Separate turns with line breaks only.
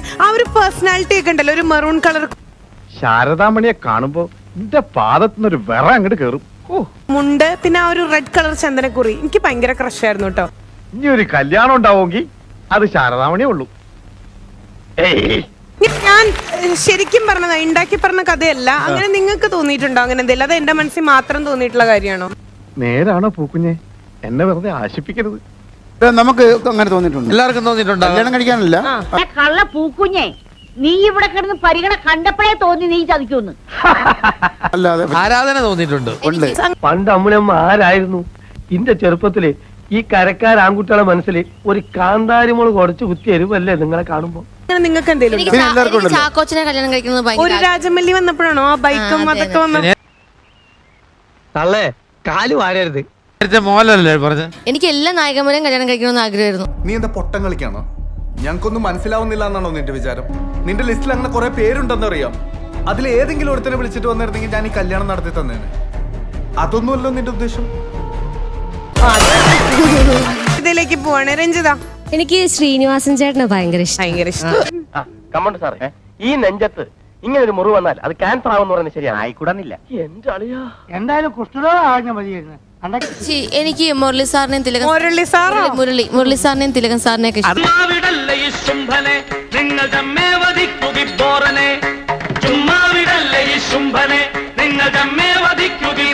ആ ഒരു പേഴ്സണാലിറ്റി ഒക്കെ ഉണ്ടല്ലോ, ഒരു മെറൂൺ കളർ.
ശാരദാമണിയെ കാണുമ്പോ എന്റെ പാദത്തുനിന്നൊരു വിറ അങ്ങോട്ട് കേറും.
മുണ്ട്, പിന്നെ ആ ഒരു റെഡ് കളർ ചന്ദനക്കുറി, എനിക്ക് ഭയങ്കര ക്രഷ് ആയിരുന്നു കേട്ടോ.
ഇനി ഒരു കല്യാണം ഉണ്ടാവുമെങ്കിൽ അത് ശാരദാമണിയേ ഉള്ളൂ.
ഞാൻ ശരിക്കും പറഞ്ഞതാ, ഉണ്ടാക്കി പറഞ്ഞ കഥയല്ല. അങ്ങനെ നിങ്ങൾക്ക് തോന്നിയിട്ടുണ്ടോ അങ്ങനെ എന്തെങ്കിലും? അത് എന്റെ മനസ്സിൽ മാത്രം തോന്നിയിട്ടുള്ള കാര്യമാണോ?
നേരാണോ പൂക്കുഞ്ഞെ? എന്നെ വെറുതെ ആശിപ്പിക്കരുത്.
നമുക്ക് അങ്ങനെ തോന്നിയിട്ടുണ്ട്,
എല്ലാവർക്കും തോന്നിയിട്ടുണ്ടോ?
കല്യാണം കഴിക്കാനല്ല.
കള്ള പൂക്കുഞ്ഞെ, നീ ഇവിടെ കിടന്ന് പരിഗണ കണ്ടപ്പോഴേ തോന്നി നീ ചതിക്കുമെന്ന്.
അല്ലാതെ
ആരാധന തോന്നിയിട്ടുണ്ട്.
ഉണ്ട്.
പണ്ട് അമ്മുനമ്മ ആരായിരുന്നു? ഇന്റെ ചെറുപ്പത്തില് ഈ കരക്കാർ ആൺകുട്ടികളെ മനസ്സിൽ ഒരു കാന്താരിമോള് കുറച്ച് കുത്തി എരുവല്ലേ നിങ്ങളെ കാണുമ്പോ?
നിങ്ങൾക്ക് എന്തെങ്കിലും
ചാക്കോച്ചനെ കല്യാണം കഴിക്കുന്നത്
ഒരു രാജമല്ലി വന്നപ്പോഴാണോ ആ ബൈക്കും അതൊക്കെ വന്ന?
തള്ളേ കാല് വാരരുത്.
നേരത്തെ മോഹൻലാലല്ലേ പറഞ്ഞ?
എനിക്ക് എല്ലാ നായകന്മാരെയും കല്യാണം കഴിക്കണമെന്ന് ആഗ്രഹമായിരുന്നു.
നീ എന്താ പൊട്ടം കളിക്കാണോ? ഞങ്ങൾക്കൊന്നും മനസ്സിലാവുന്നില്ല എന്നാണോ നിന്റെ വിചാരം? നിന്റെ ലിസ്റ്റിൽ അങ്ങനെ കുറെ പേരുണ്ടെന്നറിയാം. അതിൽ ഏതെങ്കിലും ഒരുത്തനെ വിളിച്ചിട്ട് വന്നിരുന്നെങ്കിൽ ഞാൻ ഈ കല്യാണം നടത്തി തന്നേനെ. അതൊന്നുമല്ലോ നിന്റെ ഉദ്ദേശം.
ഇതിലേക്ക് പോവാണ് രഞ്ജിത.
എനിക്ക് ശ്രീനിവാസൻ ചേട്ടനെ ഭയങ്കര ഇഷ്ടം.
കമ്മണ്ട് സാറേ, ഈ നെഞ്ചത്ത് ഇങ്ങനെ ഒരു മുറിവ് വന്നാൽ അത് ക്യാൻസർ ആവുമെന്ന് പറയുന്നത് ശരിയാണ്. ആയിക്കൂടാന്നില്ല. എന്റെ അളിയാ, എന്തായാലും കുഷ്ഠരോഗം മതിയായിരുന്നു.
എനിക്ക് മുരളി സാറിനെയും തിലകൻ മുരളി സാറിനെയും തിലകൻ സാറിനെയൊക്കെ ഇഷ്ടം.
നിങ്ങൾ